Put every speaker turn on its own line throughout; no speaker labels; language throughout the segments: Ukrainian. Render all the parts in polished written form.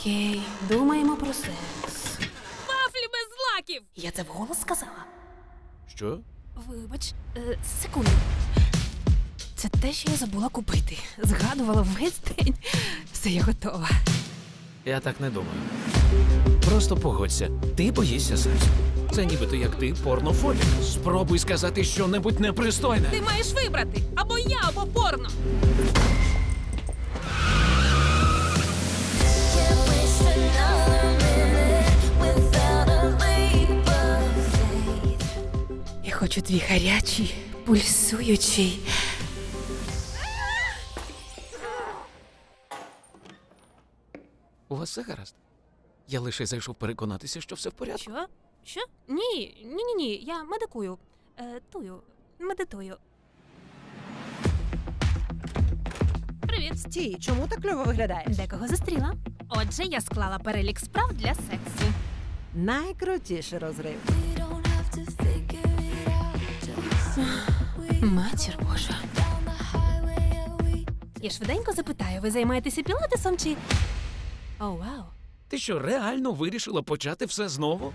Окей, думаємо про секс.
Вафлі без злаків!
Я це вголос сказала?
Що?
Вибач, секунду. Це те, що я забула купити. Згадувала весь день. Все, я готова.
Я так не думаю. Просто погодься, ти боїшся сексу. Це нібито як ти порнофобік. Спробуй сказати щонебудь непристойне.
Ти маєш вибрати або я, або порно.
Can't waste another minute without a leap of faith.
Я хочу твій гарячий, пульсуючий.
У вас все гаразд? Я лише зайшов переконатися, що все в порядку.
Що? Що? Ні. Я медикую. Медитую. Привіт.
Стій, чому так кльово виглядаєш?
Декого зустріла. Отже, я склала перелік справ для сексу.
Найкрутіший розрив.
We don't have to figure it out, just we
Матір Божа.
down the highway are we.
Я швиденько запитаю, ви займаєтеся пілатесом чи... О, вау.
Ти що, реально вирішила почати все знову?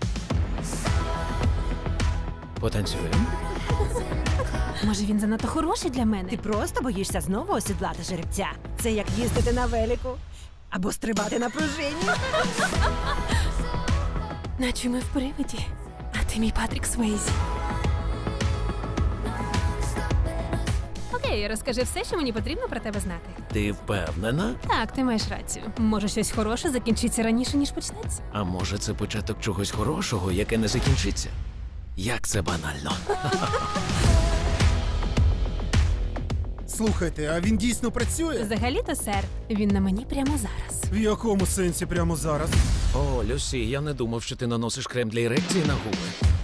Потанцюємо?
Може, він занадто хороший для мене?
Ти просто боїшся знову осідлати жеребця. Це як їздити на велику або стрибати на пружині.
Наче ми в привиді. А ти мій Патрік Свейзі. Окей, розкажи все, що мені потрібно про тебе знати.
Ти впевнена?
Так, ти маєш рацію. Може, щось хороше закінчиться раніше, ніж почнеться.
А може, це початок чогось хорошого, яке не закінчиться? Як це банально.
Слухайте, а він дійсно працює?
Взагалі-то, сер, він на мені прямо зараз.
В якому сенсі прямо зараз?
О, Люсі, я не думав, що ти наносиш крем для ерекції на губи.